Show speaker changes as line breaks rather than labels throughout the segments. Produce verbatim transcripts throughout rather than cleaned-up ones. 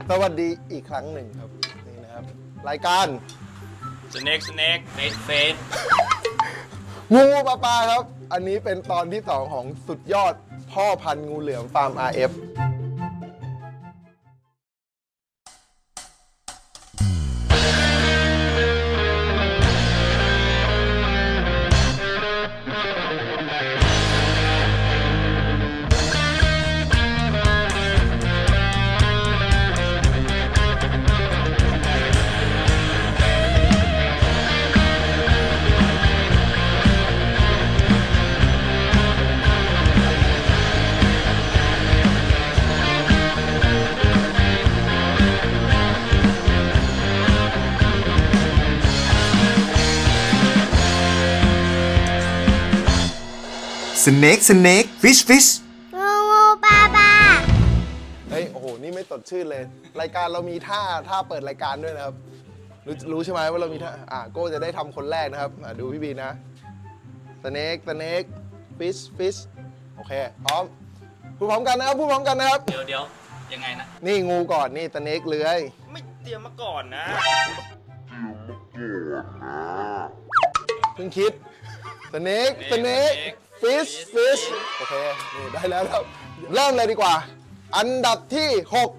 สวัสดีอีกครั้งหนึ่งครับนี่นะครับรายการ
Snake Snake Face Face
งูปลาปลาครับอันนี้เป็นตอนที่สองของสุดยอดพ่อพันธุ์งูเหลือมฟาร์ม อาร์ เอฟ
Snake Snake Fish Fish
งูงูปลาปลา
เฮ้ยโอ้โหนี่ไม่สดชื่นเลย รายการเรามีท่าท่าเปิดรายการด้วยนะครับรู้รู้ใช่ไหมว่าเรามีท่าอ่ะโก้จะได้ทำคนแรกนะครับอ่ะดูพี่บีนะ Snake Snake Fish Fish โอเคพร้อมพูดพร้อมกันนะครับพูดพร้อมกันนะครับ
เดี๋ยวเดี๋ยวยังไงนะ
นี่งูก่อนนี่ Snake เลื้อย
ไม่เตรียมมาก่อนนะ
เพิ่งคิด Snake Snake Fish Fish โอเคนี่ได้แล้วครับเริ่มเลยดีกว่า อันดับที่หก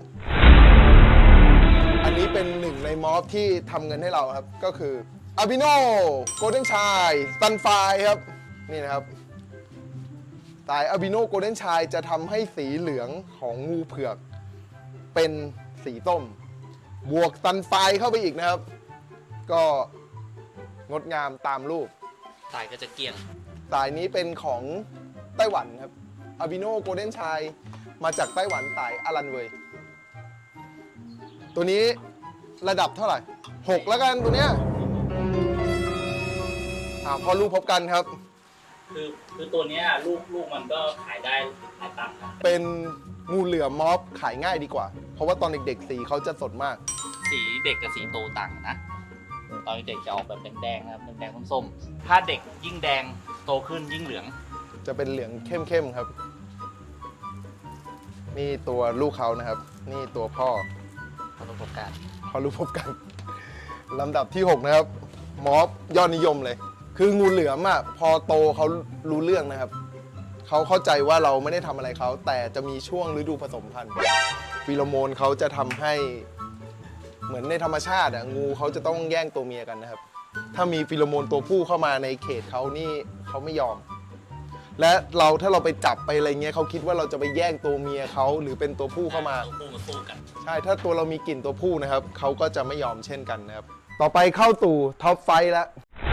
อันนี้เป็นหนึ่งในมอฟที่ทำเงินให้เราครับก็คืออาบิโนโกลเด้นชายซันไฟครับนี่นะครับสายอาบิโนโกลเด้นชายจะทำให้สีเหลืองของงูเผือกเป็นสีส้มบวกซันไฟเข้าไปอีกนะครับก็งดงามตามรูป
สายก็จะเกี่ยง
สายนี้เป็นของไต้หวันครับอาบิโนโกลเด้นชายมาจากไต้หวันสายอารันเวยตัวนี้ระดับเท่าไหร่หกแล้วกันตัวเนี้ยอ่าพอลูกพบกันครับ
คือคือตัวเนี้ยลูกลูกมันก็ขายได้หลายตังค์นะ
เป็นงูเหลือมมอฟขายง่ายดีกว่า เพราะว่าตอนเด็กๆสีเขาจะสดมาก
สีเด็กกับสีโตต่างกันนะ ตอนเด็กจะออกแบบแดงๆนะครับแดงๆส้มๆถ้าเด็กยิ่งแดงโตขึ้นยิ่งเหลือง
จะเป็นเหลืองเข้มๆครับ นี่ตัวลูกเขานะครับ นี่ตัวพ่อ
ประสบการณ์
พอรู้พบกันลำดับที่หกนะครับมอฟยอดนิยมเลย คืองูเหลือมอ่ะพอโตเขารู้เรื่องนะครับเขาเข้าใจว่าเราไม่ได้ทำอะไรเขาแต่จะมีช่วงฤดูผสมพันธุ์ฟีโรโมนเขาจะทำให้เหมือนในธรรมชาติอ่ะงูเขาจะต้องแย่งตัวเมียกันนะครับถ้ามีฟีโรโมนตัวผู้เข้ามาในเขตเขานี่เขาไม่ยอม และเราถ้าเราไปจับไปอะไรเงี้ยเขาคิดว่าเราจะไปแย่งตัวเมียเขาหรือเป็นตัวผู้เข้ามา
ตัวผู้มาสู้กัน
ใช่ ถ้าตัวเรามีกลิ่นตัวผู้นะครับ เขาก็จะไม่ยอมเช่นกันนะครับ ต่อไปเข้าตู่ท็อปไฟว์แล้ว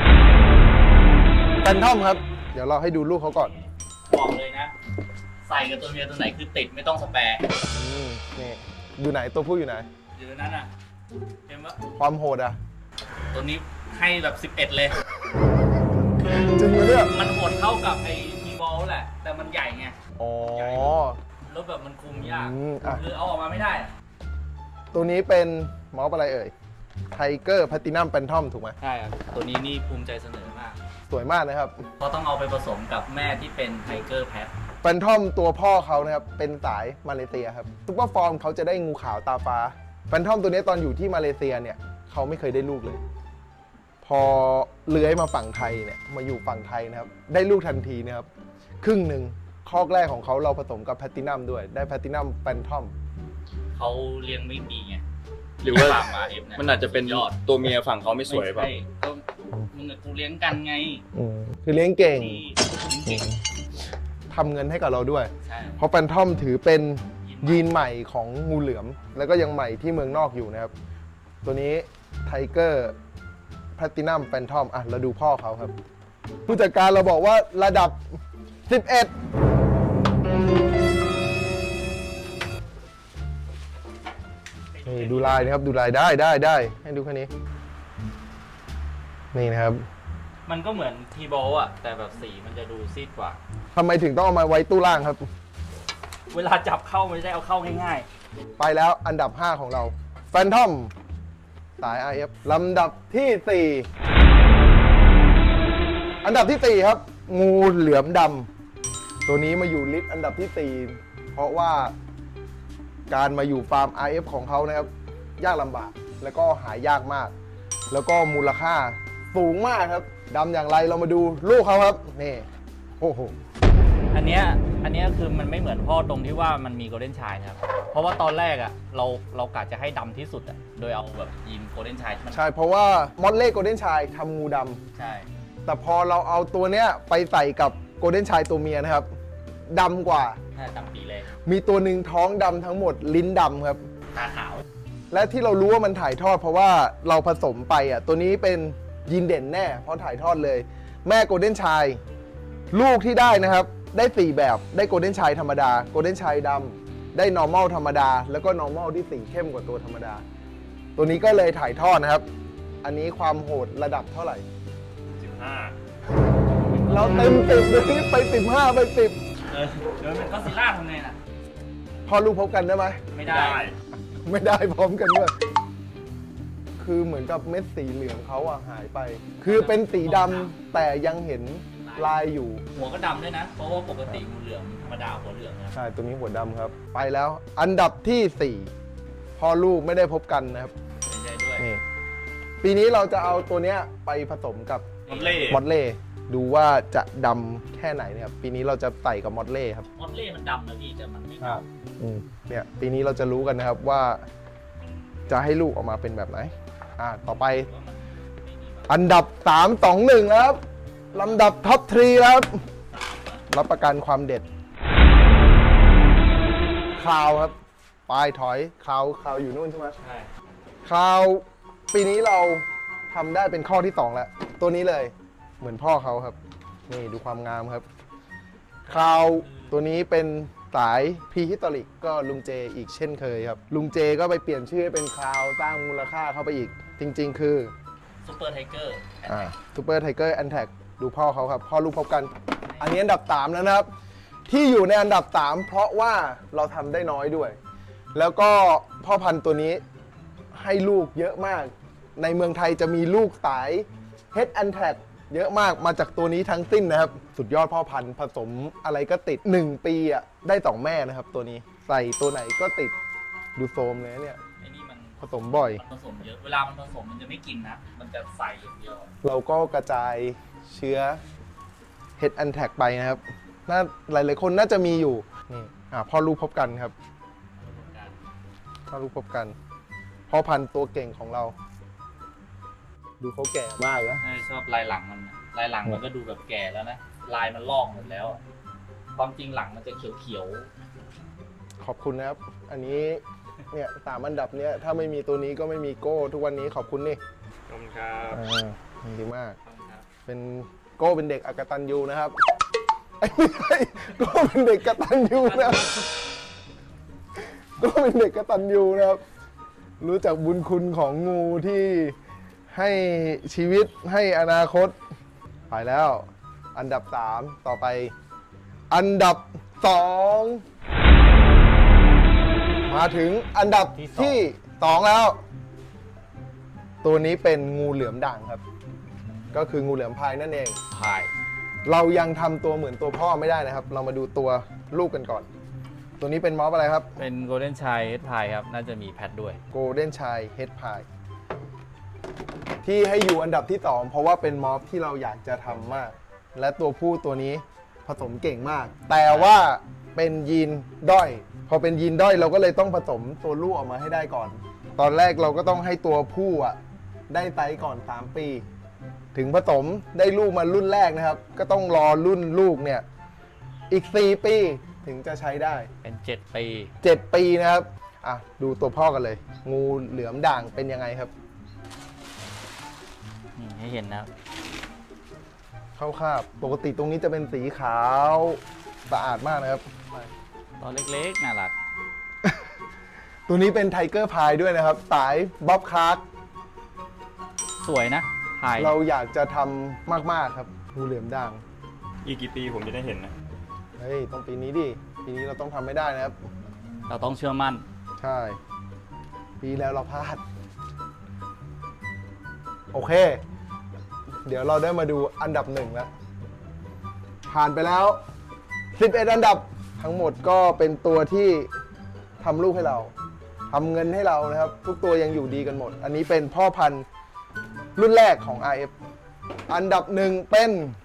แฟนทอมครับ เดี๋ยวเราให้ดูลูกเขาก่อน
บอกเลยนะ ใส่กับตัวเมียตัวไหนคือติดไม่ต้องสแปร์
อืมนี่อยู่ไหนตัวผู้อยู่ไหน
อยู่ในนั้นอ่ะเห็นปะ
ความโหดอ่ะ
ตัวนี้ให้แบบสิบเอ็ดเลย
จริงไหมเนี่ย
มันโหดเท่ากับไอ้ทีบอลแหละ แต่มันใหญ่ไง
อ๋อ
แล้วแบบมันคุมยาก
อืมอ่ะ
คือเอาออกมาไม่ได้อะ
ตัวนี้เป็นมอฟอะไรเอ่ยไทเกอร์แพลตินัมแฟนทอมถูกไหม
ใช่ครับ ตัวนี้นี่ภูมิใจเสนอมาก
สวยมากนะครับ
เพราะต้องเอาไปผสมกับแม่ที่เป็นไทเกอร์แพท
แฟนทอมตัวพ่อเขานะครับเป็นสายมาเลเซียครับซุปเปอร์ฟอร์มเขาจะได้งูขาวตาฟ้าแฟนทอมตัวนี้ตอนอยู่ที่มาเลเซียเนี่ยเขาไม่เคยได้ลูกเลย พอเลื้อยมาฝั่งไทยเนี่ยมาอยู่ฝั่งไทยนะครับได้ลูกทันทีนะครับครึ่งหนึ่งคอกแรกของเขาเราผสมกับแพลตินัมด้วยได้แพลตินัมแฟนทอม
เขาเลี้ยงไม่ดีไง
หรือว่า
ฟาร์มมาเอฟเนี่ย
มันอาจจะเป็น
ยอด
ตัวเมียฝั่งเขาไม่สวย
ไม่
ป่ะ
ใช่ก็มึงกับกูเลี้ยงกันไง
คือเลี้ยงเก่ง
ที่เลี้ยงเก่ง
ทำเงินให้กับเราด้วย
ใช่
เพราะแฟนทอมถือเป็นยีนใหม่ของงูเหลือม แล้วก็ยังใหม่ที่เมืองนอกอยู่นะครับ ตัวนี้ไทเกอร์แพลตินัมแฟนทอมอ่ะเราดูพ่อเขาครับ ผู้จัดการเราบอกว่าระดับ สิบเอ็ด นี่ดูลายนะครับดูลายได้ได้ได้ให้ดูแค่นี้ นี่นะครับ
มันก็เหมือนทีบอลอะแต่แบบสีมันจะดูซีดกว่า
ทำไมถึงต้องเอามาไว้ตู้ล่างครับ
เวลาจับเข้าไม่ได้เอาเข้าง่าย
ไปแล้วอันดับ ห้า ของเราแฟนทอมสาย อาร์ เอฟ ลำดับที่ สี่ อันดับที่ สี่ ครับ งูเหลือมดำตัวนี้มาอยู่ลิสต์อันดับที่ สี่ เพราะว่าการมาอยู่ฟาร์ม อาร์ เอฟ ของเขานะครับยากลำบาก แล้วก็หายากมาก แล้วก็มูลค่าสูงมากครับดำอย่างไรเรามาดูลูกเขาครับนี่โอ้โห
อันเนี้ยอันเนี้ยคือมันไม่เหมือนพ่อตรงที่ว่ามันมีโกลเด้นชายนะครับ เพราะว่าตอนแรกอ่ะเราเรากะจะให้ดำที่สุดอ่ะโดยเอาแบบยีนโกลเด้นชายมัน
ใช่เพราะว่ามอดเล่โกลเด้นชายทำงูดำ
ใช่
แต่พอเราเอาตัวเนี้ยไปใส่กับโกลเด้นชายตัวเมียนะครับดำกว่า
น่าจะดำปีเลย
มีตัวหนึ่งท้องดำทั้งหมดลิ้นดำครับ
ตาขาว
และที่เรารู้ว่ามันถ่ายทอดเพราะว่าเราผสมไปอ่ะตัวนี้เป็นยีนเด่นแน่เพราะถ่ายทอดเลย แม่โกลเด้นชายลูกที่ได้นะครับได้สี่แบบได้โกลเด้นชายธรรมดาโกลเด้นชายดำได้ normal ธรรมดา แล้วก็ normal ที่สีเข้มกว่าตัวธรรมดา ตัวนี้ก็เลยถ่ายทอดนะครับ อันนี้ความโหดระดับเท่าไหร่
สิบห้า
เราเต็มสิบเลยไปสิบห้าไปสิบ
เออเดี๋ยวมันก็ซิล่าทำไงน่ะ
พอลูกพบกันได้ไหม
ไม่ได้
ไม่ได้พร้อมกันด้วยคือเหมือนกับเม็ดสีเหลืองเขาอะหายไป คือเป็นสีดำแต่ยังเห็นลายอยู่
หัวก็ดำด้วยนะ เพราะว่าปกติงูเหลือมธรรมดาหัวเหลืองนะ
ใช่ ตัวนี้หัวดำครับ ไปแล้ว อันดับที่สี่พ่อลูกไม่ได้พบกันนะครับ
ไม่ได้ด้วย
นี่ ปีนี้เราจะเอาตัวเนี้ยไปผสมกับ
มอนเล่
มอดเล่ ดูว่าจะดำแค่ไหนนะครับ ปีนี้เราจะใส่กับมอดเล่ครับ
มอสเล่มันดำนะพี่แต่มันไม่ดำ
อืมเนี่ย ปีนี้เราจะรู้กันนะครับว่าจะให้ลูกออกมาเป็นแบบไหน อ่า ต่อไป
ว่ามันไม่ดีมาก
อันดับสาม สอง หนึ่งแล้วครับลำดับท็อปทรีแล้วครับ รับประกันความเด็ดคราวครับปลายถอยคราวคราวอยู่นู่นใช่ไหม
ใช่
คราวปีนี้เราทำได้เป็นข้อที่สองแล้ว ตัวนี้เลยเหมือนพ่อเขาครับ นี่ดูความงามครับคราวตัวนี้เป็นสายพีฮิตอริกก็ลุงเจอีกเช่นเคยครับ ลุงเจก็ไปเปลี่ยนชื่อให้เป็นคราวสร้างมูลค่าเข้าไปอีก จริง ๆ คือ
ซูเปอร์ไทเกอร์
อ่าซูเปอร์ไทเกอร์แอนแท็กดูพ่อเขาครับ พ่อลูกพบกัน อันนี้อันดับสามแล้วนะครับ ที่อยู่ในอันดับสามเพราะว่าเราทำได้น้อยด้วย แล้วก็พ่อพันธุ์ตัวนี้ให้ลูกเยอะมาก ในเมืองไทยจะมีลูกสาย Head and Tag เยอะมากมาจากตัวนี้ทั้งสิ้นนะครับ สุดยอดพ่อพันธุ์ผสมอะไรก็ติด หนึ่ง ปีอ่ะได้สองแม่นะครับ ตัวนี้ใส่ตัวไหนก็ติดดูโซมเลยเนี่ย
ไอ้นี่มัน
ผสมบ่อย
มันผสมเยอะ เวลามันผสมมันจะไม่กินนะ มันจะใส่อย่างเดียว
เราก็กระจายเชื้อ Head and Tag ไปนะครับน่าหลายๆคนน่าจะมีอยู่นี่อ่าพ่อลูกพบกันครับ พ่อลูกพบกัน พ่อพันธุ์ตัวเก่งของเรา ดูเขาแก่มากนะ
เออชอบลายหลังมันนะลายหลังมันก็ดูแบบแก่แล้วนะ ลายมันลอกหมดแล้วอะความจริงหลังมันจะเขียว
ขอบคุณนะครับ อันนี้เนี่ยสามอันดับเนี้ยถ้าไม่มีตัวนี้ก็ไม่มีโก้ทุกวันนี้ขอบคุณนี่
ขอบคุณครับ
อ่าดีมาก
ๆครับ
เป็นโก้เป็นเด็กอกตัญญูนะครับไอ้ยไม่ใช่โก้เป็นเด็กกตัญญูนะครับโก้เป็นเด็กกตัญญูนะครับ รู้จักบุญคุณของงูที่ให้ชีวิตให้อนาคต ไปแล้ว อันดับสามต่อไป อันดับสองมาถึงอันดับที่สองแล้ว ตัวนี้เป็นงูเหลือมด่างครับ ก็คืองูเหลือมพายนั่นเอง
พาย
เรายังทำตัวเหมือนตัวพ่อไม่ได้นะครับ เรามาดูตัวลูกกันก่อน ตัวนี้เป็นมอสอะไรครับ
เป็นโกลเด้นชายเฮดพายครับ น่าจะมีแพทด้วย
โกลเด้นชายเฮดพายที่ให้อยู่อันดับที่สองเพราะว่าเป็นมอสที่เราอยากจะทำมาก และตัวผู้ตัวนี้ผสมเก่งมาก แต่ว่าเป็นยีนด้อย พอเป็นยีนด้อยเราก็เลยต้องผสมตัวลูกออกมาให้ได้ก่อน ตอนแรกเราก็ต้องให้ตัวผู้อ่ะได้ไซส์ก่อนสามปี ถึงผสมได้ลูกมารุ่นแรกนะครับ ก็ต้องรอรุ่นลูกเนี่ยอีกสี่ปีถึงจะใช้ได้
เป็นเจ็ดปี
เจ็ดปีนะครับ อ่ะ ดูตัวพ่อกันเลย งูเหลือมด่างเป็นยังไงครับ
นี่ให้เห็นนะครับ
เข้าคาบปกติตรงนี้จะเป็นสีขาวสะอาดมากนะครับ
ตอนเล็กๆ น่ารัก
ตัวนี้เป็นไทเกอร์พายด้วยนะครับ สายบ๊อบคาร์ก
สวยนะพาย
เราอยากจะทำมาก ๆ ครับ งูเหลือมด่าง
อีกกี่ปีผมจะได้เห็นนะ
เฮ้ย ต้องปีนี้ดิ ปีนี้เราต้องทำไม่ได้นะครับ
เราต้องเชื่อมั่น
ใช่ ปีแล้วเราพลาด โอเค เดี๋ยวเราได้มาดูอันดับหนึ่งแล้ว ผ่านไปแล้ว สิบเอ็ด อันดับทั้งหมดก็เป็นตัวที่ทำลูกให้เราทำเงินให้เรานะครับ ทุกตัวยังอยู่ดีกันหมด อันนี้เป็นพ่อพันธุ์รุ่นแรกของ อาร์ เอฟ อันดับหนึ่งเป็น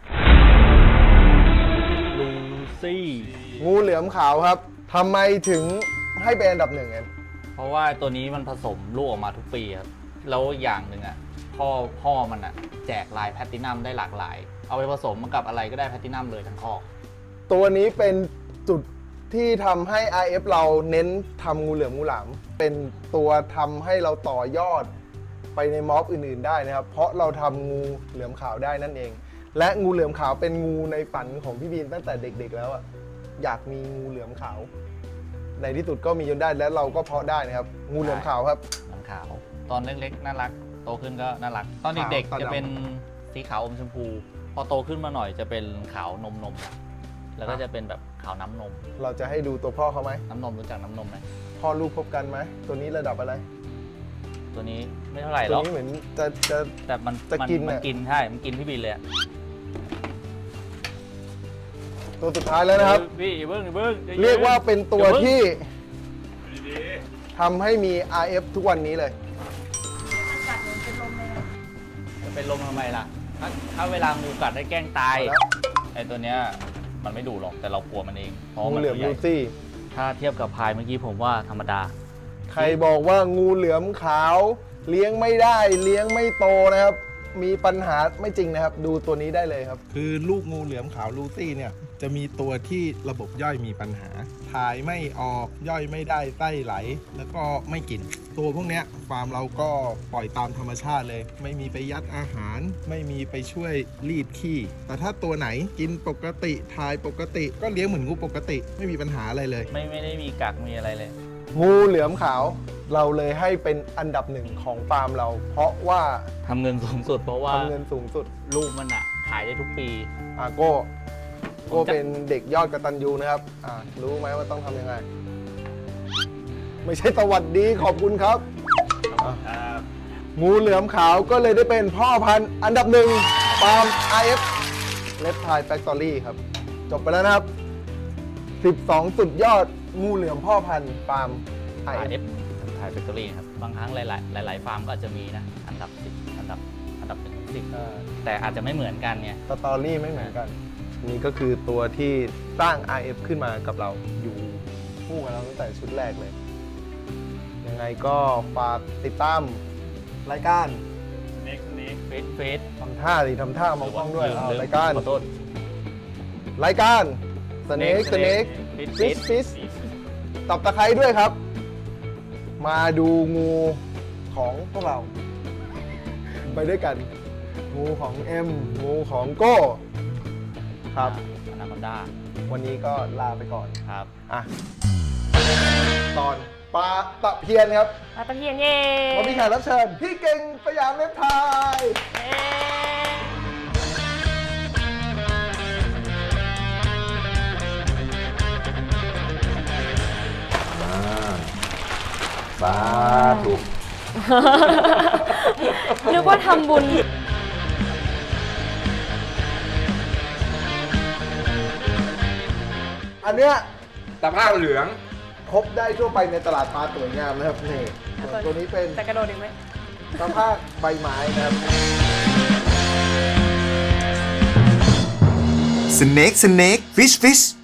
ลูซี่
งูเหลือมขาวครับทำไมถึงให้เป็นอันดับหนึ่งเอ็ม
เพราะว่าตัวนี้มันผสมลูกออกมาทุกปีครับ แล้วอย่างหนึ่งอ่ะพ่อพ่อมันอ่ะแจกลายแพลตตินัมได้หลากหลาย เอาไปผสมกับอะไรก็ได้แพลตตินัมเลยทั้งคอก
ตัวนี้เป็นจุดที่ทำให้ อาร์ เอฟ เราเน้นทำงูเหลือมงูหลาม เป็นตัวทำให้เราต่อยอดไปในม็อบอื่นๆได้นะครับ เพราะเราทำงูเหลือมขาวได้นั่นเอง และงูเหลือมขาวเป็นงูในฝันของพี่บีนตั้งแต่เด็กๆแล้วอะอยากมีงูเหลือมขาว ในที่สุดก็มีจนได้และเราก็เพาะได้นะครับ งูเหลือมขาวครับ
น้ำขาว ตอนเล็กๆน่ารัก โตขึ้นก็น่ารัก ตอนเด็ก
ขาวตอน
ๆจะ
ดำ
เป็นสีขาวอมชมพู พอโตขึ้นมาหน่อยจะเป็นขาวนมนมๆแล้วก็จะเป็นแบบขาวน้ำนม
เราจะให้ดูตัวพ่อเขาไหม
น้ำนมรู้จักน้ำนมไหม
พ่อลูกพบกันไหมตัวนี้ระดับอะไร
ตัวนี้ไม่เท่าไหร่ห
ตั
ร
ว
อก
นี้เหมือนจะจะ
แต่มัน
จะ
มั
กิน
มัน
อะ
กินใช่ มันกินพี่บินเลยอะ
ตัวสุดท้ายแล้วนะครับ
พี่อย่าเบิ้งอย่าเบิ้งใจน
เรียกว่าเป็นตัว
อย่าเพิ่ง
ที่
ดี
ทำให้มี อาร์ เอฟ ทุกวันนี้เลย
จะเป็นลมทำไมล่ะ ถ้าถ้าเวลางูกัดได้แกล้งตาย
เอาแล้ว
ไอ้ตัวเนี้ยมันไม่ดุหรอกแต่เรากลัวมันเองเพราะ
งู
มัน
เหลือม
ตัวให
ลู
ญ่
ซี่
ถ้าเทียบกับพายเมื่อกี้ผมว่าธรรมดา
ใครบอกว่างูเหลือมขาว เลี้ยงไม่ได้เลี้ยงไม่โตนะครับ มีปัญหาไม่จริงนะครับ ดูตัวนี้ได้เลยครับ คือลูกงูเหลือมขาวลูซี่เนี่ยจะมีตัวที่ระบบย่อยมีปัญหาถ่ายไม่ออกย่อยไม่ได้ไส้ไหล แล้วก็ไม่กิน ตัวพวกเนี้ยฟาร์มเราก็ปล่อยตามธรรมชาติเลย ไม่มีไปยัดอาหาร ไม่มีไปช่วยรีดขี้แต่ถ้าตัวไหนกินปกติถ่ายปกติ ก็เลี้ยงเหมือนงูปกติ ไม่มีปัญหาอะไรเลย
ไม่ไม่ได้มีกักมีอะไรเลย
งูเหลือมขาวเราเลยให้เป็นอันดับหนึ่งของฟาร์มเรา เพราะว่า
ทำเงินสูงสุดเพราะว่า
ทำเงินสูงสุด
ลูกมันอะขายได้ทุกปี
อาโก้โก้
ผมจะ
เป็นเด็กยอดกตัญญูนะครับอ่ารู้ไหมว่าต้องทำยังไง ไม่ใช่สวัสดีขอบคุณครับอ่ะ
ๆครับ
งูเหลือมขาวก็เลยได้เป็นพ่อพันธุ์อันดับหนึ่งฟาร์ม อาร์ เอฟ Red Tide Factory ครับ จบไปแล้วนะครับ สิบสอง สุดยอดงูเหลือมพ่อพันธุ์ฟาร์ม อา
อา
ร์
ร์
เอ
เอ
ฟ
ฟถ่ายแฟคทอรี่ครับ บางครั้งหลาย ๆ หลาย ๆ ฟาร์มก็อาจจะมีนะ อันดับสิบอันดับอันดับหนึ่งสิบแต่อาจจะไม่เหมือนกันไง
สตอรี่ไม่เหมือนกัน นี่ก็คือตัวที่สร้าง อาร์ เอฟ ขึ้นมากับเราอยู่คู่กับเราตั้งแต่ชุดแรกเลย ยังไงก็ฝากติดตามรายการ
สเน็กสเน็ก
เฟสเฟส
ทำท่าดิทำท่ามองกล้องด้วย
ลืม
เอา
ลืม
รายการ
ขอโทษ
รายการสเน็กสเน็ก
ฟิ
ฟิ
ต
ชฟิชตับตะไคร้ด้วยครับ มาดูงูของพวกเรา ไปด้วยกัน งูของเอ็มงูของโก้ ครับ
อนาคอนด้า
วันนี้ก็ลาไปก่อน
ครับ
อ่ะ ตอนปลาตะเพียนครับ
ปลาตะเพียนเย่
วันนี้แขกรับเชิญพี่เก่งสยามเล็บไทย
เย้
สาธุ
นึกว่าทำบุญ
อันเนี้ย
ตะภาพเหลือง
พบได้ทั่วไปในตลาดปลาสวยงามนะครับนี่ส่วนตัวนี้เป็น
จะกระโดดอีกไหม
ตะภาพใบไม้นะครับ
Snake Snake Fish Fish